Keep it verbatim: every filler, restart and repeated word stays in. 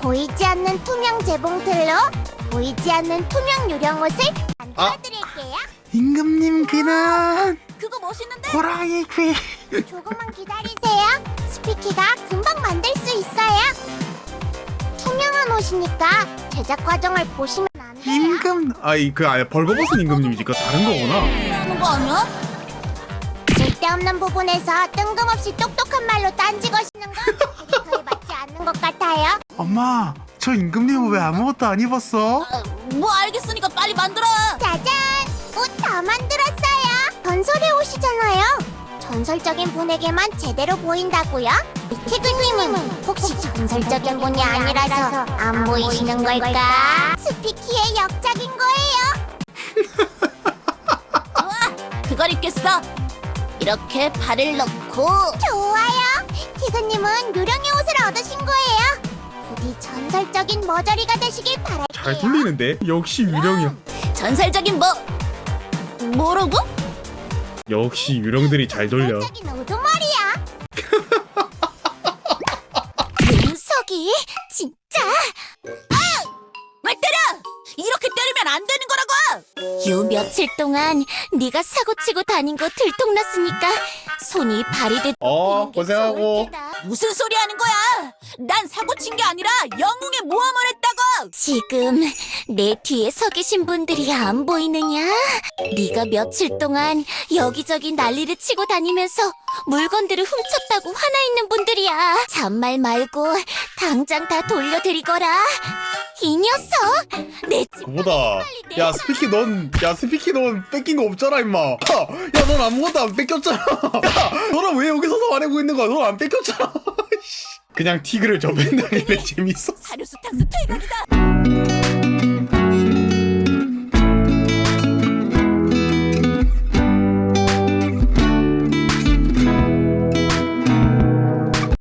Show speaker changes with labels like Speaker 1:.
Speaker 1: 보이지 않는 투명 재봉틀로 보이지 않는 투명 유령 옷을 만들어드릴게요.
Speaker 2: 임금님 귀는
Speaker 1: 그거 멋있는데?
Speaker 2: 호랑이 귀.
Speaker 1: 조금만 기다리세요. 스피키가 금방 만들 수 있어요. 투명한 옷이니까 제작 과정을 보시면 안 돼요.
Speaker 2: 임금 아이 그 아예 벌거벗은 임금님이지. 그거 다른 거구나.
Speaker 1: 하는 거 아니야? 쓸데없는 부분에서 뜬금없이 똑똑한 말로 딴지 거시는 건 캐릭터에 맞지 않는 것 같아요.
Speaker 2: 엄마, 저 임금님은 왜 아무것도 안 입었어?
Speaker 1: 뭐 알겠으니까 빨리 만들어. 짜잔! 옷 다 만들었어요. 전설의 옷이잖아요. 전설적인 분에게만 제대로 보인다고요? 티그님은 혹시 전설적인 분이 아니라서 안 보이시는 걸까? 스피키의 역작인 거예요.
Speaker 3: 그걸 입겠어. 이렇게 발을 넣고.
Speaker 1: 좋아요. 티그님은 유령의 옷을 얻으신 거예요. 부디 전설적인 머저리가 되시길 바랄게요.
Speaker 2: 잘 돌리는데? 역시 유령이야.
Speaker 3: 전설적인 뭐 뭐라고?
Speaker 2: 역시 유령들이 잘 돌려.
Speaker 1: 전설적인 우두머리야.
Speaker 3: 윤석이 진짜. 아! 왜 때려? 이렇게 때리면 안 되는 거라고. 요 며칠 동안 네가 사고치고 다닌 거 들통났으니까 손이 발이 됐.
Speaker 2: 어, 고생하고.
Speaker 3: 무슨 소리 하는 거야? 난 사고친 게 아니라 영웅의 모험을 했다고. 지금 내 뒤에 서 계신 분들이 안 보이느냐? 네가 며칠 동안 여기저기 난리를 치고 다니면서 물건들을 훔쳤다고 화나 있는 분들이야. 잔말 말고 당장 다 돌려드리거라. 이 녀석! 내 집.
Speaker 2: 그보다 야 스피키 넌 야 스피키 넌 뺏긴 거 없잖아 임마. 야 넌 아무것도 안 뺏겼잖아. 야 너는 왜 여기 서서 말하고 있는 거야? 넌 안 뺏겼잖아. 그냥 티그를 접는다길래 재밌어.
Speaker 3: 사료수탕수 퇴각이다.